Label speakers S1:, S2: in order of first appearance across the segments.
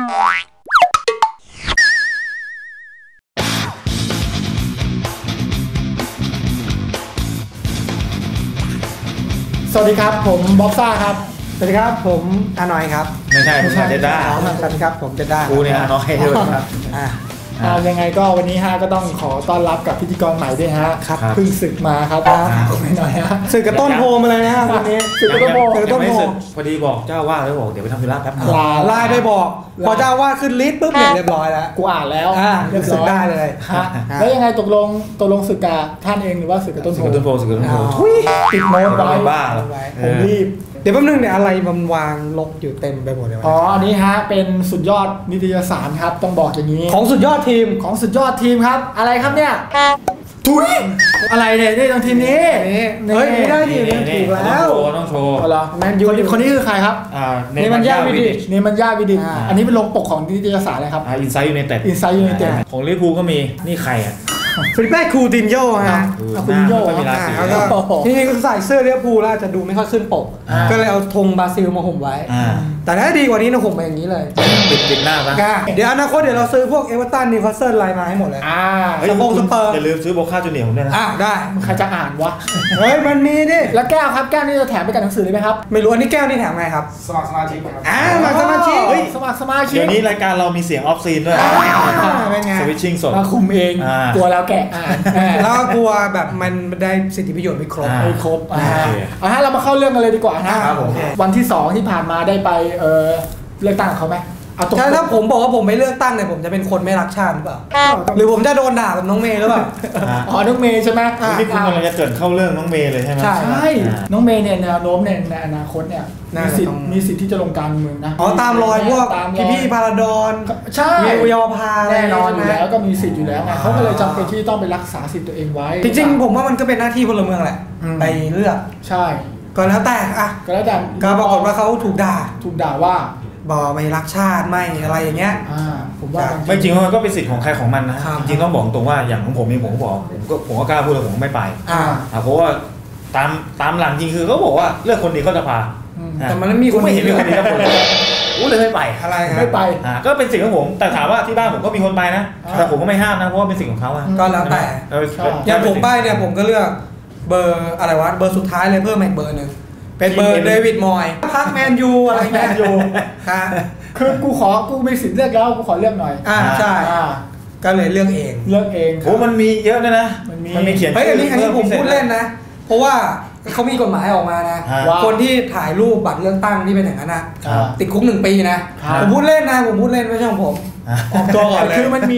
S1: สวัสดีครับผมบ๊อบซ่าครับ
S2: สวัสดีครับผมอานอยครับ
S3: ไม่ใช่เจด้า
S2: สวัสดีครับผมเจด้า
S3: กูเนี่ยอานอยด้วยครับ
S1: ยังไงก็วันนี้ฮะก็ต้องขอต้อนรับกับพิธีกรใหม่ด้วยฮะเพิ่งศึกมาครับไม่หน่อยฮะ
S2: ศึกกับต้นโพมาเลยนะวันนี้
S1: ศึกกับต้นโพ
S3: พอดีบอกเจ้าว่าแล้วบอกเดี๋ยวไปทำธุระแป๊บนึง
S2: ไลน์ไปบอกพอเจ้าว่าขึ้นลิสต์ปุ๊บเนี่ยเรียบร้อยแล้ว
S1: กูอ่านแล้ว
S2: เรียบร้อยได้เลย
S1: แล้วยังไงตกลงศึกกับท่านเองหรือว่าศึกกับต้นโพ
S3: ศึกกับต้นโพ
S1: ติดโน้ตไว้
S3: บ้า
S1: ผมรีบ
S2: เดี๋ยวแป๊บนึงเนี่ยอะไรมันวางลกอยู่เต็มไปหมดเลย
S1: อันนี้ฮะเป็นสุดยอดนิตยสารครับต้องบอกอย่างนี้
S2: ของสุดยอดทีม
S1: ครับอะไรครับเนี่ยทุยอะไรเนี่ยนี่ตรงทีมนี้
S2: เฮ้ยไม่ได้ดิถูกแล้ว
S3: ต้องโชว์
S1: แมนยูคนนี้คือใครครับ
S3: เนมันยาวิ
S1: ดิชอันนี้เป็นลงปกของนิตยสารอะไรครับ
S3: อินไซต์ยูไนเต็ดของลิเวอร์พูลก็มีนี่ใครอ่ะ
S2: ฟิลิปเป้คูตินโญ่ฮะ
S1: คูตินโญ่
S2: ที่นี่ใส่เสื้อลิเวอร์พูลแล้วจะดูไม่ค่อยขึ้นปกก็เลยเอาธงบราซิลมาห่มไว้แต่ถ้าดีกว่านี้นะห่มมาอย่างนี้เลย
S3: ปิดหน้าปะ
S2: เดี๋ยวอนาคตเดี๋ยวเราซื้อพวกเอเวอร์ตันนิวคาสเซิลไลน์มาให้หมดเลย
S3: สเปอร์อย่าลืมซื้อโบค่าจูเนียร์ผมด้วยนะ
S2: ได้
S1: ใครจะอ่านวะ
S2: เฮ้ยมันมีดิ
S1: แล้วแก้วครับแก้วนี่จะแถมไปกับหนังสือเลยไหมครับ
S2: ไม่รู้อันนี้แก้วนี่แถมไงครับ
S1: สมัครสมาชิกครับ
S2: สมัครสมาชิก
S3: เดี๋ยวนี้รายการเรามีเสียงออฟซีนด้วยสวิตชิ่งสด
S1: มาคุมเองกลัวแล้วแกะ
S2: แล้วกลัวแบบมันได้สิทธิประโยชน์ไม่ครบ
S1: เรามาเข้าเรื่องกันเลยดีกว่านะวันที่2ที่ผ่านมาได้ไปเลือกตั้งเขาไหม
S2: ถ้าผมบอกว่าผมไม่เลือกตั้งเนี่ยผมจะเป็นคนไม่รักชาติหรือเปล่าหรือผมจะโดนด่าแบบน้องเมย์หรือเปล่า
S1: น้องเมย์ใช่ไหม
S3: นี่คุณกำลังจะเกิดเข้าเรื่องน้องเมย์เลยใช่ไหม
S1: ใช่น้องเมย์เนี่ยแนวโน้มในอนาคตเนี่ยมีสิทธิ์ที่จะลงการเมืองนะ
S2: ตามรอยพวกพี่พาราดอน
S1: ใช่
S2: เยาวภา
S1: แน่นอนอยู่แล้วก็มีสิทธิ์อยู่แล้วไงเขาก็เลยจำเป็นที่ต้องไปรักษาสิทธิ์ตัวเองไว้
S2: จริงๆผมว่ามันก็เป็นหน้าที่พลเมืองแหละไปเลือก
S1: ใช่
S2: ก็แล้วแต่ก็ปรากฏว่าเขาถูกด่าว่าบอกไม่รักชาติไม่อะไรอย่างเงี้ย
S3: ผมว่าไม่จริงมันก็เป็นสิทธิ์ของใครของมันนะจริงๆต้องบอกตรงว่าอย่างของผมเองผมก็บอกผมก็กล้าพูดเลยผมไม่ไปเพราะว่าตามหลังจริงคือเขาบอกว่าเลือกคนดีก็จะพา
S2: แต่มันไม่มีคน
S3: ไม่เห็นมีคนดีแล้วคนเลยไม่ไป
S2: อะไร
S1: ไม่ไป
S3: ก็เป็นสิทธิ์ของผมแต่ถามว่าที่บ้านผมก็มีคนไปนะแต่ผมก็ไม่ห้ามนะเพราะว่าเป็นสิทธิ์ของเขา
S2: ก็แล้วแต่อย่างผมไปเนี่ยผมก็เลือกเบอร์อะไรวะเบอร์สุดท้ายเลยเพิ่มอีกเบอร์หนึ่งเป็นเบอร์เดวิดมอยพักแมนยูอะไรแมนยู
S1: คือกูมีสิทธิ์เลือกแล้วกูขอเลือกหน่อย
S2: ใช่ก็เลยเลือกเอง
S3: โอ้มันมีเยอะเลยนะมันมีเขียน
S2: อันนี้ผมพูดเล่นนะเพราะว่าเขามีกฎหมายออกมานะคนที่ถ่ายรูปบัตรเลือกตั้งที่เป็นอย่างนั้นนะติดคุก1 ปีนะผมพูดเล่นไม่ใช่ของผม
S1: ออกตัวก่อนเลยคือมันมี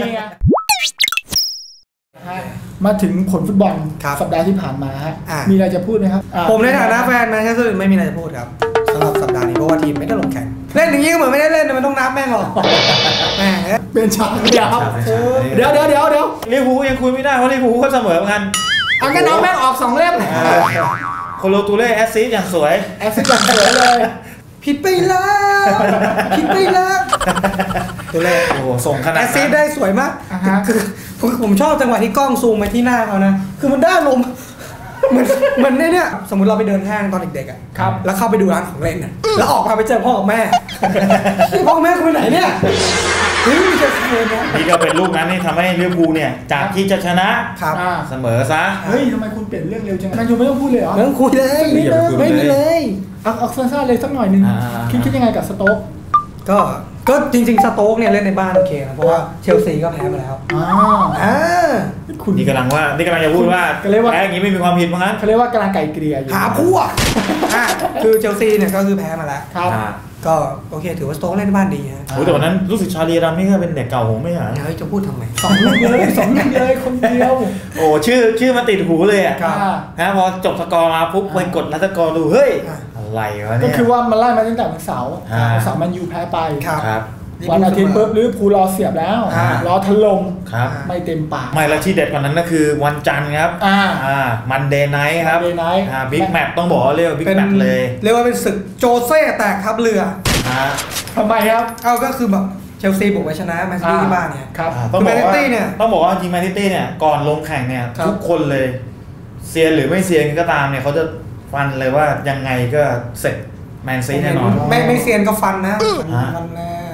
S1: มาถึงผลฟุตบอลสัปดาห์ที่ผ่านมามีอะไรจะพูดไหมครับ
S2: ผมในฐานะแฟนแมนเชสเตอร์ไม่มีอะไรจะพูดครับสำหรับสัปดาห์นี้เพราะว่าทีมไม่ได้ลงแข่งเล่นอย่างนี้ก็เหมือนไม่ได้เล่นมันต้องนับแม่งหรอก
S1: แม่เป็นฉากยาวเดี๋ยว
S3: ลิเวอร์พูลยังคุยไม่ได้เพราะลิเวอร์พูลก็เสมอกัน
S1: งั้นเอาแม่งออก2 เล่ม
S3: โคโลตูเล่แอสซิสอย่างสวย
S1: เลย
S2: ผิดไปแล้ว
S3: ตัวเล่โอ้โหส่งขนาด
S2: แอสซิสได้สวยมากคือผมชอบจังหวะที่กล้องซูมมาที่หน้าเขานะคือมันได้ลมมันเนี่ยสมมติเราไปเดินห้างตอนเด็กๆ
S1: ครับ
S2: แล้วเข้าไปดูร้านของเล่นแล้วออกมาไปเจอพ่อกับแม่พ่อกับแม่คุณไปไหนเนี่ย
S3: นี่จะเสมอนะนี่ก็เป็นลูกนั้นที่ทำให้ลิเวอร์พูลเนี่ยจากที่จะชนะเสมอซะ
S1: เฮ้ยทำไมคุณเปลี่ยนเรื่องเร็วจังแมนยูไม่ต้องพูดเลยเหรอ
S2: ไม่ต้องคุยเลย
S1: ไม่มีเลยเอาสั้นๆเลยสักหน่อยนึงคิดยังไงกับสโต๊ก
S2: ก็จริงๆสโต๊กเนี่ยเล่นในบ้านโอเคนะเพราะว่าเชลซีก็แพ้มาแล้ว
S3: นี่กำลังจะพูดว่าแพ้อย่างนี้ไม่มีความผิดมั้ง
S1: เขาเรียกว่ากำลังไก่เกลี่ยอยู่
S2: หาพวกคือเชลซีเนี่ยก็คือแพ้มาแล้วก็โอเคถือว่าสโต๊กเล่นในบ้านดีฮะ
S3: แต่วันนั้นรู้สึกชาลีรัมนี่ก็เป็นเด็กเก่าผมไม่หา
S2: จะพูดทำไม
S1: 2 ลูกเลยคนเดียว
S3: โอ้ชื่อมาติดหูเลยนะพอจบสกอร์มาปุ๊บไปกดนัดสกอร์ดูเฮ้ยอะไรวะเนี่ย
S1: ก็คือว่ามันไล่มาตั้งแต่วันเสาร์มันยูแพ้ไป
S3: ครับ
S1: วันอาทิตย์ปุ๊บลิเวอร์พูลรอเสียบแล้วรอถล่มไม่เต็มปาก
S3: ไม่แล้วที่เด็ดกว่านั้นก็คือวันจันทร์ครับมันเดย์ไนท์ครับบิ๊กแมตช์ต้องบอกว่าเรียกว่าบิ๊กแมตช์เลย
S2: เรียกว่าเป็นศึกโจเซ่แตกทัพเรือ
S1: ทำไมครับ
S2: ก็คือแบบเชลซีบุกไปชนะแมนซิตี้ที่บ้านเนี่ย
S3: ต้องบอกว่าจริงแมนซิตี้เนี่ยก่อนลงแข่งเนี่ยทุกคนเลยเซียนหรือไม่เซียนก็ตามเนี่ยเขาจะฟันเลยว่ายังไงก็เสร็จแมนซีแน่นอน
S2: ไม่เซียนก็ฟันนะ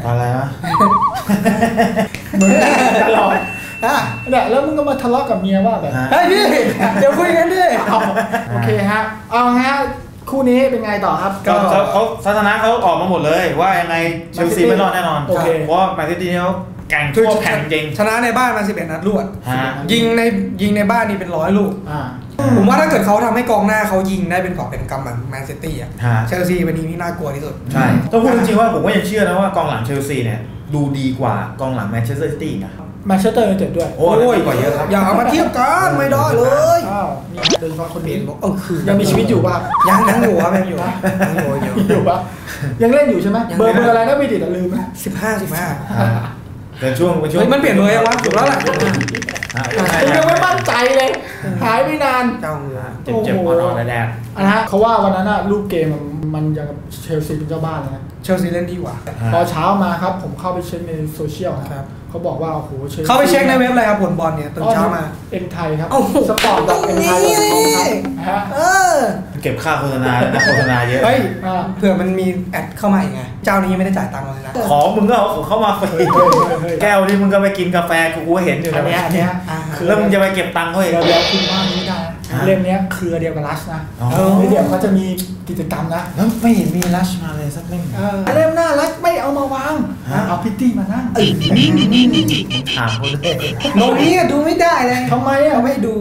S3: อะไรนะ
S1: เหมือนตลอดเนี่ยแล้วมึงก็มาทะเลาะกับเมียว่าแบบ
S2: เฮ้ยพี่เดี๋ยวคุยกันดิ
S1: โอเคฮะเอาฮะคู่นี้เป็นไงต่อครับ
S3: ก็เขาทัศนะเขาออกมาหมดเลยว่ายังไงเชลซีไม่รอดแน่นอนเพราะแมนซิตี้เขาแข่งทั่วแผ่นจริง
S2: ชนะในบ้านมา11 นัดรวดยิงในบ้านนี่เป็น100 ลูกผมว่าถ้าเกิดเขาทำให้กองหน้าเขายิงได้เป็นกอบเป็นกำเหมือนแมนซิตี้อ่ะเชลซีเป็นทีมที่น่ากลัวที่สุด
S3: ใช่ต้องพูดจริงๆว่าผมก็ยังเชื่อนะว่ากองหลังเชลซีเนี่ยดูดีกว่ากองหลังแมนเชสเตอร์ซิตี้นะ
S1: แมนเชสเตอร์ยูไนเต็ดด้วย
S3: โอ้ยกว่าเยอะครับ
S2: อย่าเอามาเทียบกันไม่ได้เลย
S1: โดยเฉพาะคนเปลี่ยนบอก
S2: คือ
S1: ยังมีชีวิตอยู่ป่ะ
S2: ยังอยู่ครับยังอยู่
S1: ป่ะยังเล่นอยู่ใช่ไหมเบอร์อะไรนะไม่ติดลืมไหม
S2: 15
S3: เป็นช่วง
S2: มันเปลี่ยนเลยว่าถูกแล้วแหละ
S1: ยังไม่มั่นใจเลยหายไม่นาน
S3: เจ็บอ่อนๆแดง
S1: นะฮะเขาว่าวันนั้นรูปเกมมันยังเชลซีเป็นเจ้าบ้านนะ
S2: เชลซีเล่นดีกว่า
S1: พอเช้ามาครับผมเข้าไปเช็คในโซเชียลครับเขาบอกว่าโอ้โห
S2: เข้าไปเช็คในเว็บอะไรครับผลบอลเนี่ยตื่นเช้ามา
S1: เอ็มไทยครับสปอร์ตแบบเอ็มไทยครับ
S3: เก็บค่าโฆษณาโฆษณาเยอะ
S2: เฮ้ยเผื่อมันมีแอดเข้ามาอีกไงเจ้านี้ไม่ได้จ่ายตังค์เลยนะ
S3: ของมึงก็เอาเข้ามาฟรีแก้วนี่มึงก็ไปกินกาแฟกูเห็นอยู่
S1: อันนี้
S3: แล้วมึงจะไปเก็บตังค์เขาอีก
S1: เดี๋ยวคุณว่านี้ได้เล่มนี้เครือเดียวกับลัชนะเดี๋ยวเขาจะมีกิจกรรมนะ
S3: แล้วไม่เห็นมีลัชมาเลยสักเล่ม
S1: เล่มหน้าลัชไม่เอามาวางเอาพิตตี้มานั่ง
S3: ถามคนเลย
S2: โน้ตนี้ดูไม่ได้เลย
S1: ทำไม
S2: ไม่ดู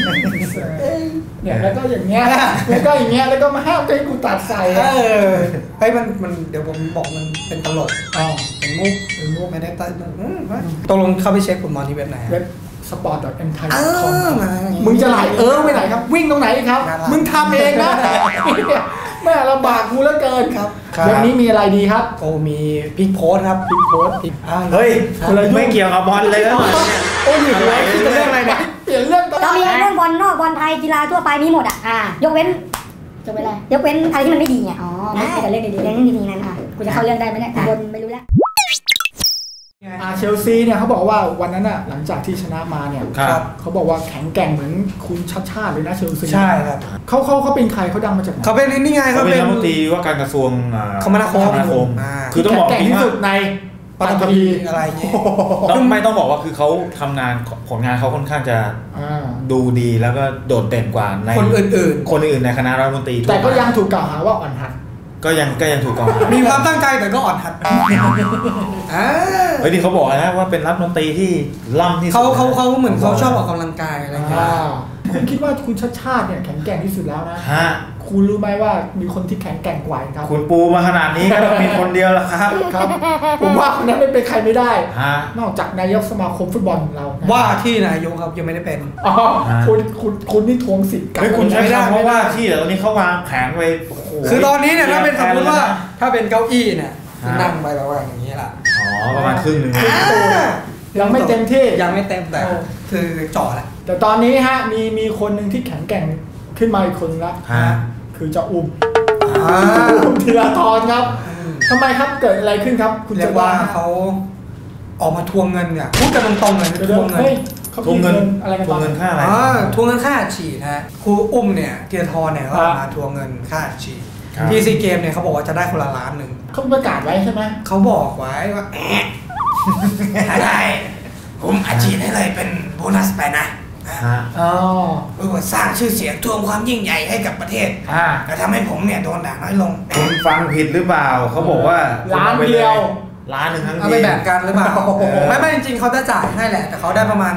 S1: เนี่ยแล้วก็อย่างเงี้ยแล้วก็อย่างเงี้ยแล้วก็มาห้ามให้กูตัดใส่
S2: เฮ้ยมันเดี๋ยวผมบอกมันเป็นตลกเป็นมุกไม่ได้ตัดตกลงเข้าไปเช็คผลบอลที่เว็บไหน
S1: เว็บsport.mthai.com มึงจะไหลไปไหนครับวิ่งตรงไหนครับมึงทำเองนะแม่ลำบากกูเหลือเกินครับวันนี้มีอะไรดีครับ
S2: โอ้มีพิกโพสครับพิกโพส
S3: เฮ้ยไม่เกี่ยวกับบอลเลยนะ
S1: โอ้ยอยู่ไหนคิดเรื่องอะไรเนี่ยเปลี่ยนเรื่อง
S4: ก็มีเรื่องบอลนอกบอลไทยกีฬาทั่วไปมีหมดยกเว้นอะไรยกเว้นอะไรที่มันไม่ดีไงไม่แต่เรื่องดีๆเรื่องดีๆนั้นกูจะเข้าเรื่องได้ไหมเนี่ยบนไม่รู้แล้ว
S1: เชลซีเนี่ยเขาบอกว่าวันนั้นหลังจากที่ชนะมาเนี่ยเขาบอกว่าแข็งแกร่งเหมือนคุณชัดชาติเลยนะเชลซี
S2: ใช่ครับ
S1: เขาเป็นใครเขาดังมาจากไหน
S2: เขาเป็นนี่ไง
S3: เขาเป็นรัฐมนตรีว่าการกระทรวง
S2: คมนาคม
S1: คือต้องบอกที่สุดในปัตตภี
S2: อะไรเงี้ย
S3: ไม่ต้องบอกว่าคือเขาทำงานผลงานเขาค่อนข้างจะดูดีแล้วก็โดดเด่นกว่าใน
S2: คนอื่น
S3: ในคณะรัฐมนตรี
S1: แต่ก็ยังถูกกล่าวหาว่าอ่อนหัด
S3: ก็ยังถูกกล่าวหา
S2: มีความตั้งใจแต่ก็อ่อนหัด
S3: เฮ้ยที่เขาบอกนะว่าเป็นรัฐมนตรีที่ล่ำที่สุด
S2: เขาเหมือนเขาชอบออกกำลังกายอะไรอย่างเงี้ย
S1: คุณคิดว่าคุณชัดชาติเนี่ยแข็งแกร่งที่สุดแล้วนะคุณรู้ไหมว่ามีคนที่แข็งแกร่งกว่าครับ
S3: คุณปูมาขนาดนี้ก็ต้องมีคนเดียวละครับ
S1: ผมว่าคนนั้นไม่เป็นใครไม่ได้นอกจากนายกสมาคมฟุตบอลของเรา
S2: ว่าที่นายกครับยังไม่ได้เป็น
S1: คุณนี่ทวงสิทธิ์
S3: กันคุณใช้ได้เพราะว่าที่ตอนนี้เขาวางแผนไว้
S2: คือตอนนี้เนี่ยถ้าเป็นสมมติว่าถ้าเป็นเก้าอี้เนี่ยนั่งไปแบบว่าอย่างนี้แหละ
S3: ประมาณครึ่งนึง
S1: ยังไม่เต็มที่
S2: ยังไม่เต็มแต่คือจ่อแหละ
S1: แต่ตอนนี้มีคนหนึ่งที่แข็งแกร่งขึ้นมาอีกคนละคือจะอุ้มธีรทรครับทำไมครับเกิดอะไรขึ้นครับ
S2: คุณเรียกว่าเขาออกมาทวงเงินเนี่ยพูดกันตรงๆเลยทวงเ
S3: งินอะไรกันทวงเงินค่าอะไร
S2: ทวงเงินค่าฉีดนะครูอุ้มเนี่ยธีรทรเนี่ยก็มาทวงเงินค่าฉีดที่ซีเกมเนี่ยเขาบอกว่าจะได้คนละ1 ล้าน
S1: เขาประกาศไว้ใช่ไหม
S2: เขาบอกไว้ว่าได้ผมอาชีพให้เลยเป็นโบนัสไปนะสร้างชื่อเสียงทวงความยิ่งใหญ่ให้กับประเทศแต่ทำให้ผมเนี่ยโดนด่าน้อยลง
S3: คุณฟังผิดหรือเปล่าเขาบอกว่า
S1: ล้านเดียว
S3: ล้านหนึ่งทั้งที
S2: เอาไปแบ่งกันหรือเปล่าไม่จริงเขาจะจ่ายให้แหละแต่เขาได้ประมาณ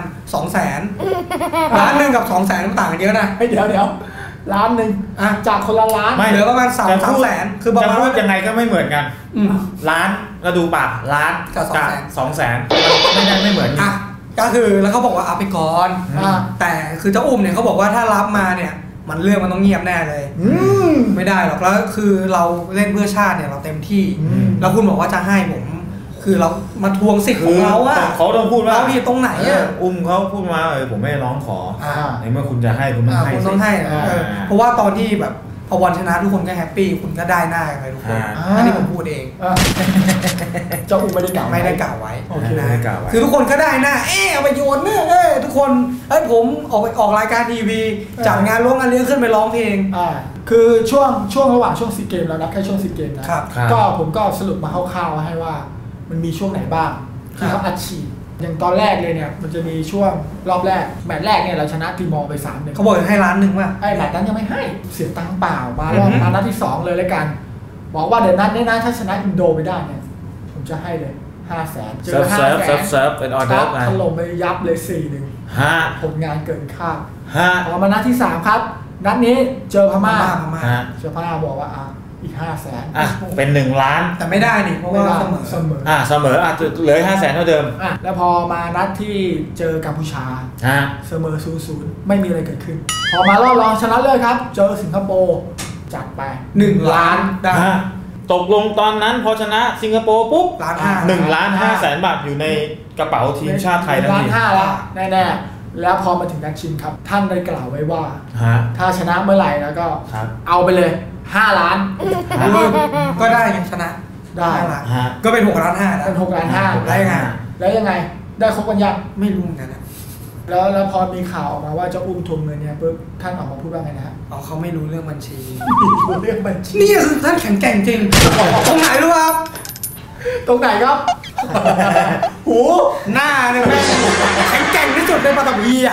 S2: 200,000ล้านหนึ่งกับ200,000มันต่างกันเยอะนะ
S1: เดี๋ยวล้านหนึ่งจากคนละล้าน
S2: เหลือประมาณ300,000
S3: คือจะพูดยังไงก็ไม่เหมือนกันล้านก็ดูปากล้าน
S2: กับ
S3: 200,000ไม่เหมือนกัน
S2: ก็คือแล้วเขาบอกว่าเอาไปก่อนแต่คือเจ้าอุ้มเนี่ยเขาบอกว่าถ้ารับมาเนี่ยมันเรื่องมันต้องเงียบแน่เลยไม่ได้หรอกแล้วคือเราเล่นเพื่อชาติเนี่ยเราเต็มที่แล้วคุณบอกว่าจะให้ผมคือเรามาทวงสิทธิ์ของเราอะ
S3: เขาต้องพูดว่า
S2: เราผิดตรงไหนอะ
S3: อุ้มเขาพูดมาผมไม่ร้องขอในเมื่อคุณจะให้คุณต้อง
S2: ให้เพราะว่าตอนที่แบบพอวันชนะทุกคนก็แฮปปี้คุณก็ได้หน้าไปทุกคนอันนี้ผมพูดเอง
S1: เจ้าอุ้มไม่ได้กล่าว
S2: ไว้คือทุกคนก็ได้หน้าเอาไปโยนเนี่ยทุกคนผมออกรายการทีวีจัดงานร้องงานเลี้ยงขึ้นไปร้องเพลง
S1: คือช่วงระหว่างช่วงซีเกมแล้วนะแค่ช่วงซีเกมนะก็ผมก็สรุปมาคร่าวๆให้ว่ามันมีช่วงไหนบ้างที่เขาอัดฉีดอย่างตอนแรกเลยเนี่ยมันจะมีช่วงรอบแรกแมตช์แรกเนี่ยเราชนะตีมอร์ไป3-1
S2: เขาบอกให้1 ล้านว่ะ
S1: ไอ้แมตช์นั้นยังไม่ให้เสียตังค์เปล่ามารอบนัดที่2เลยแล้วกันบอกว่าเดี๋ยวนัดนี้นะถ้าชนะอินโดไปได้เนี่ยผมจะให้เลย500,000เจอ500,000
S3: เป็นออเดอร์
S1: ถล่มไปยับเลย4-1ผลงานเกินคาดพอมานัดที่3ครับนัดนี้เจอพม่าบอกว่าอีก500,000
S3: เป็น1 ล้าน
S2: แต่ไม่ได้นี่เพราะว่าเสมอ
S3: เหลือ500,000เท่าเดิม
S1: แล้วพอมานัดที่เจอกัมพูชาเสมอ0-0ไม่มีอะไรเกิดขึ้นพอมารอบรองชนะเลิศครับเจอสิงคโปร์จัดไป1 ล้านได้
S3: ตกลงตอนนั้นพอชนะสิงคโปร์ปุ๊บ1,500,000 บาทอยู่ในกระเป๋าทีมชาติไทยทันที
S1: 1.5 ล้านแล้วแน่ๆแล้วพอมาถึงนัดชิงครับท่านได้กล่าวไว้ว่าถ้าชนะเมื่อไหร่แล้วก็เอาไปเลย5 ล้าน
S2: ก็ได้ยังชนะ
S1: ได้
S2: ก็เป็น6.5 ล้าน
S1: เป็น6.5 ล้านแล้วยังไงได้ครบกันยัง
S2: ไม่รู้เหมือนกันนะ
S1: แล้วพอมีข่าวออกมาว่าจะอุ้มทวงเงินเนี่ยปุ๊บท่านออกมาพูดว่าไงนะฮะ
S2: เขาไม่รู้เรื่องบัญชี
S1: เรื่องบัญชี
S2: นี่คือท่านแข็งแกร่งจริงตรงไหนรู้ครับ
S1: ตรงไหนครับหู
S2: หน้าเนี่ยแม่แข็งแกร่งที่สุดในปัตตภีอ่ะ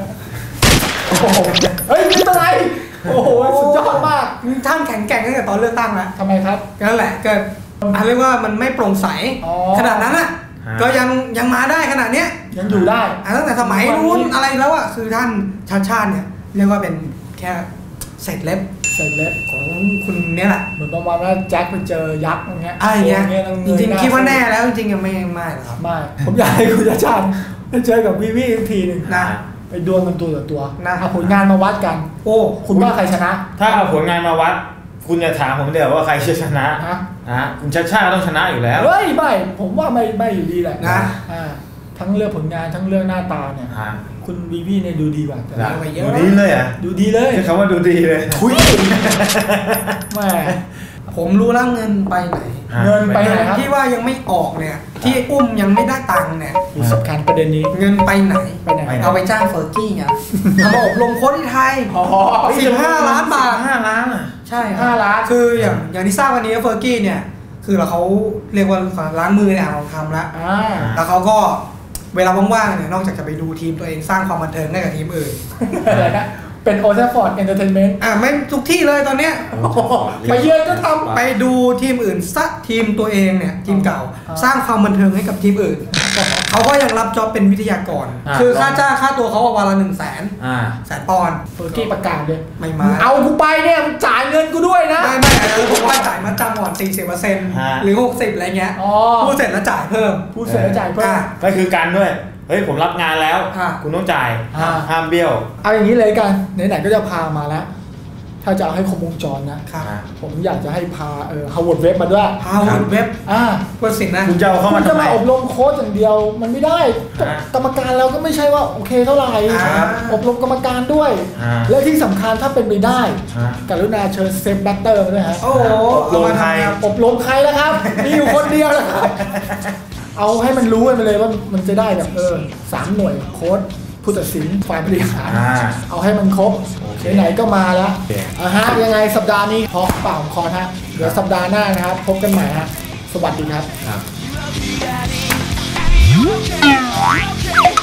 S1: เฮ้ยไม่เป็นไรโอ้โหสุดยอดมาก
S2: ท่านแข็งแกร่งตั้งแต่ตอนเลือกตั้งแล้ว
S1: ทำไมครับ
S2: นั่นแหละเกิดเรียกว่ามันไม่โปร่งใสขนาดนั้นอ่ะก็ยังมาได้ขนาดเนี้ย
S1: ยังอยู่ได้
S2: ตั้งแต่สมัยนู้นอะไรแล้วอ่ะคือท่านชาติเนี่ยเรียกว่าเป็นแค่เศษเล็บของคุณเนี่ยแหละ
S1: เหมือนประมาณว่าแจ็คไปเจอยักษ์อย่างเงี้ย
S2: จริงๆคิดว่าแน่แล้วจริงๆยังไม่หรอกครับ
S1: ไม่ผมอยากให้คุณชาติไปเจอกับวีวีอีกทีนึงนะไปดวลกันตัวต่อตัวเอาผลงานมาวัดกันโอ้คุณว่าใครชนะ
S3: ถ้าเอาผลงานมาวัดคุณจะถามผมเดี๋ยวว่าใครจะชนะคุณชาติต้องชนะอยู่แล้ว
S1: เฮ้ยไม่ผมว่าไม่อยู่ดีแหละนะทั้งเรื่องผลงานทั้งเรื่องหน้าตาเนี่ยคุณวีวีเนี่ยดูดีกว่า
S3: ดูดีเลยอ่ะ
S1: ดูดีเลย
S3: ใช้คำว่าดูดีเลย
S1: คุยแม่
S2: ผมรู้แล้วเงินไปไหน
S1: ครับ
S2: ที่ว่ายังไม่ออกเนี่ยที่อุ้มยังไม่ได้ตังค์เนี่ย
S1: สำคัญประเด็นนี้
S2: เงินไปไหนเอาไปจ้างเฟอร์กี้ไงเอามาอบรมโค้ชที่ไทย15 ล้านบาท
S3: 5 ล้าน
S2: ใช่5 ล้านคืออย่างที่ทราบวันนี้เฟอร์กี้เนี่ยคือเขาเรียกว่าล้างมือในอ่างทองคำแล้วเขาก็เวลาว่างๆเนี่ยนอกจากจะไปดูทีมตัวเองสร้างความบันเทิงให้กับทีมอื่น
S1: เป็นโอเทฟอร์ดเอนเตอร์เทนเมนต์
S2: ไม่ทุกที่เลยตอนเนี้ย
S1: ไปเยือนก็ทำ
S2: ไปดูทีมอื่นซักทีมตัวเองเนี่ยทีมเก่าสร้างความบันเทิงให้กับทีมอื่นเขาก็ยังรับจ็อบเป็นวิทยากรคือค่าจ้างค่าตัวเขาวันละ100,000 ปอนด์
S1: เฟอร์กี้ประกาศเลย
S2: ไม่มา
S1: เอากูไปเนี่ยจ่ายเงินกูด้วยนะ
S2: ไม่ผมว่าจ่ายมาจำก่อน 40% หรือ 60% อะไรเงี้ยพูดเสร็จแล้วจ่ายเพิ่ม
S3: ก็คือการด้วยเฮ้ยผมรับงานแล้วคุณต้องจ่ายห้ามเบี้ยว
S1: เอาอย่างนี้เลยกันไหนๆก็จะพามาแล้วถ้าจะเอาให้ครบวงจรนะผมอยากจะให้พาฮาวเวิร์ดเว็บมาด้วย
S2: ฮาวเวิร์ดเว็บ
S1: เพื่อสิ่งนะ
S3: คุณจะเอาเข้ามา
S1: จะมาอบรมโค้ชอย่างเดียวมันไม่ได้กรรมการเราก็ไม่ใช่ว่าโอเคเท่าไหร่อบรมกรรมการด้วยและที่สำคัญถ้าเป็นไปได้กรุณาเชิญเซฟแบตเตอร์มาด้วยฮะ
S3: อบรมใคร
S1: แล้วครับมีอยู่คนเดียวแล้วครับเอาให้มันรู้ไปเลยว่ามันจะได้แบบ3 หน่วยโค้ชผู้ตัดสินฝ่ายบริหารเอาให้มันครบไหนๆก็มาแล้วยังไงสัปดาห์นี้พอเปล่าคอฮะเดี๋ยวสัปดาห์หน้านะครับพบกันใหม่ฮะสวัสดีครับ